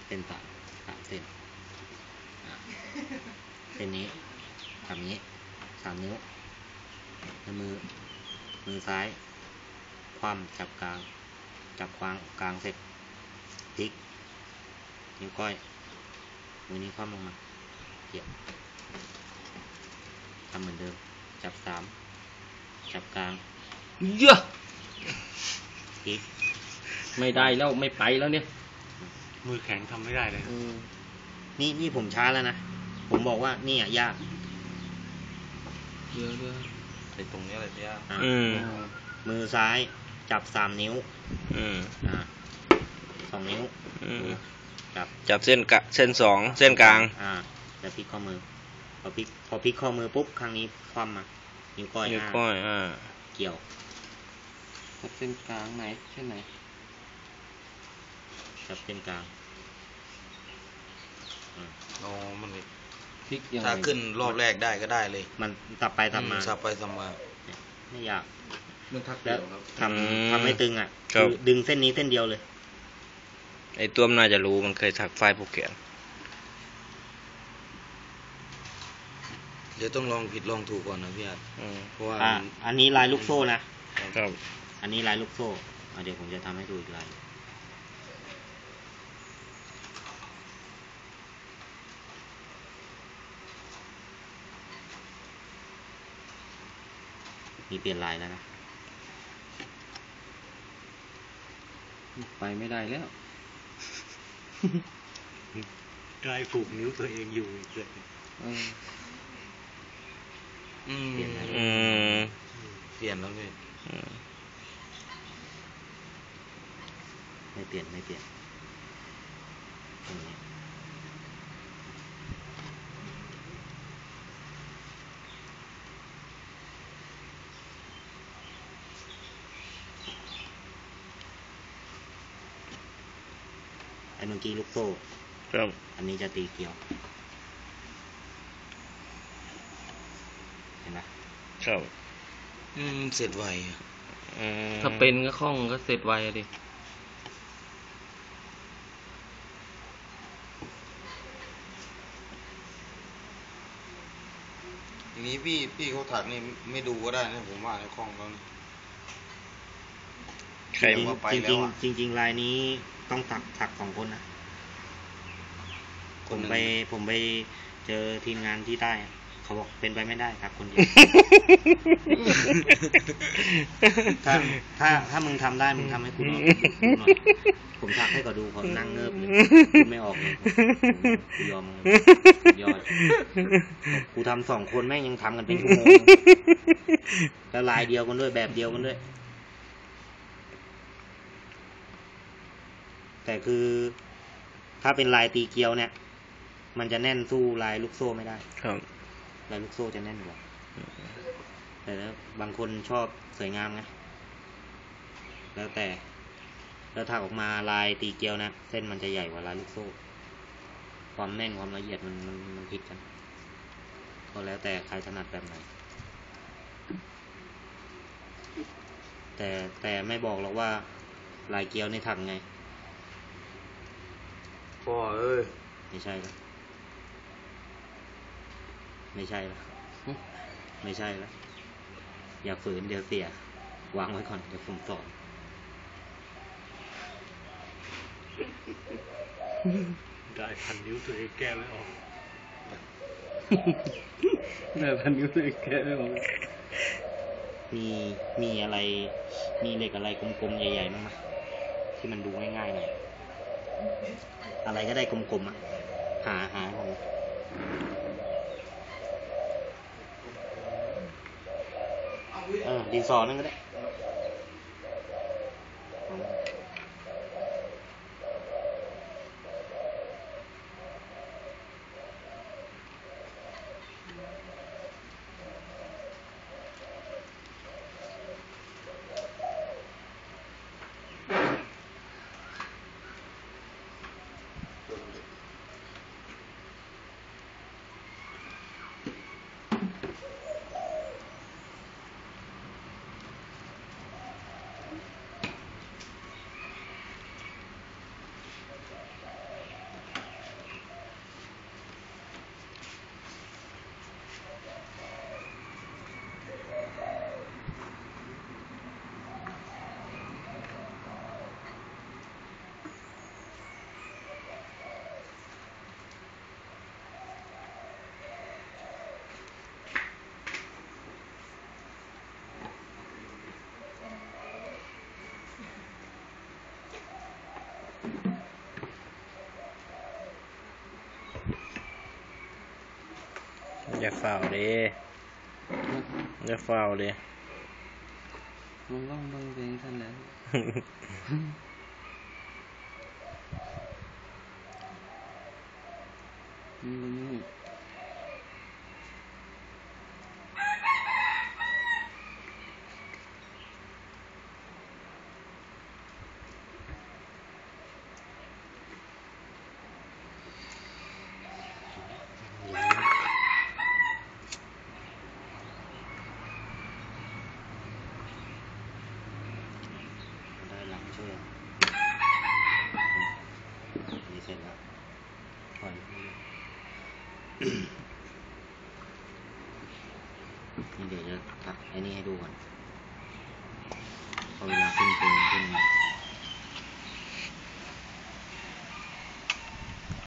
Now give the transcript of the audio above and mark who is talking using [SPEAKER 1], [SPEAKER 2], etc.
[SPEAKER 1] เส้นสามเส้นเส้นนี้ทำนี้3 นิ้วแล้วมือซ้ายคว่ำจับกลางเสร็จพลิกนิ้วก้อยมือนี้คว่ำลงมาเกี่ยวทำเหมือนเดิมจับ3จับกลาง
[SPEAKER 2] เยอะ
[SPEAKER 1] พลิก
[SPEAKER 2] ไม่ได้แล้วไม่ไปแล้วเนี่ย
[SPEAKER 3] มือแข็งทำไม่ได้เลย
[SPEAKER 1] นี่ผมช้าแล้วนะผมบอกว่านี่ยาก
[SPEAKER 2] เยอะ
[SPEAKER 3] ไอ้ตรงนี้อะไรยาก
[SPEAKER 1] มือซ้ายจับ3 นิ้ว2 นิ้ว
[SPEAKER 2] จับเส้น2เส้นกลาง
[SPEAKER 1] แล้วพลิกข้อมือพอพลิกข้อมือปุ๊บครั้งนี้คว่ำมานิ้วก้อยเกี่ยว
[SPEAKER 2] จับเส้นกลางไหนเส้นไหน
[SPEAKER 1] จับเส้นกลาง
[SPEAKER 3] มัน
[SPEAKER 2] พลิกยังไง
[SPEAKER 3] ถ้าขึ้นรอบแรกได้ก็ได้เลย
[SPEAKER 1] มันสับไปสับมาไม่อยากแล้วทำให้ตึงคือดึงเส้นนี้เส้นเดียวเลย
[SPEAKER 2] ไอ้ตัวมันน่าจะรู้มันเคยถักไฟโปรแกรม
[SPEAKER 3] เดี๋ยวต้องลองผิดลองถูกก่อนนะพี่อาร์ตเพราะว่า
[SPEAKER 1] อันนี้ลายลูกโซ่นะครับอันนี้ลายลูกโซ่เดี๋ยวผมจะทำให้ดูอีกลายมีเปลี่ยนลายแล้วนะ
[SPEAKER 2] ไปไม่ได้แล้ว
[SPEAKER 3] กลายผูกนิ้วตัวเองอยู่อีกเลย
[SPEAKER 1] เปลี่ยนแล้ว
[SPEAKER 3] พี่
[SPEAKER 1] ไม่เปลี่ยนอย่างนี้ไอ้เมื่อกี้ลูกโซ่
[SPEAKER 2] ครับ
[SPEAKER 1] อันนี้จะตีเกลียวเห็นไหม
[SPEAKER 2] ครับ
[SPEAKER 3] เสร็จไว
[SPEAKER 2] ถ้าเป็นก็คล่องก็เสร็จไวดิ
[SPEAKER 3] อย่างนี้พี่เขาถักนี่ไม่ดูก็ได้นะผมว่าในคล่องแล้ว
[SPEAKER 1] จริงลายนี้ต้องถัก2 คนนะผมไปเจอทีมงานที่ใต้เขาบอกเป็นไปไม่ได้ถักคนเดียวถ้ามึงทำได้มึงทำให้กูหน่อยผมถักให้เขาดูเขานั่งเงิบเลยไม่ออกเลยกูยอมยอดกูทำ2 คนแม่งยังทำกันเป็นชั่วโมงแล้วลายเดียวกันด้วยแบบเดียวกันด้วยแต่คือถ้าเป็นลายตีเกลียวเนี่ยมันจะแน่นสู้ลายลูกโซ่ไม่ได้
[SPEAKER 2] ครับ
[SPEAKER 1] ลายลูกโซ่จะแน่นกว่าแต่แล้วบางคนชอบสวยงามไงแล้วถักออกมาลายตีเกลียวนะเส้นมันจะใหญ่กว่าลายลูกโซ่ความแน่นความละเอียดมันผิดกันก็แล้วแต่ใครถนัดแบบไหนแต่ไม่บอกหรอกว่าลายเกลียวในถักไง
[SPEAKER 3] พ่อเอ้ย
[SPEAKER 1] ไม่ใช่แล้วอย่าฝืนเดี๋ยวเสียวางไว้ก่อนเดี๋ยวผมสอน
[SPEAKER 3] ได้พันนิ้วตัวเองแก้ไม่ออก
[SPEAKER 2] ได้พันนิ้วตัวเองแก้ไม่ออก
[SPEAKER 1] มีอะไรมีเหล็กอะไรกลมๆใหญ่ๆมั้งไหมที่มันดูง่ายๆหน่อยอะไรก็ได้กลมๆหาผมดินสอนั่นก็ได้
[SPEAKER 2] อย่าฝ่าวเลยอย่าฝ่าวเลย
[SPEAKER 1] มึงต้องเบิ่งเพลงท่านนั้นมึงเบิ่งนี่ได้หลังช่วยนี่เสร็จแล้วปล่อยนี่เดี๋ยวจะตัดไอ้นี่ให้ดูก่อนพอเวลาขึ้น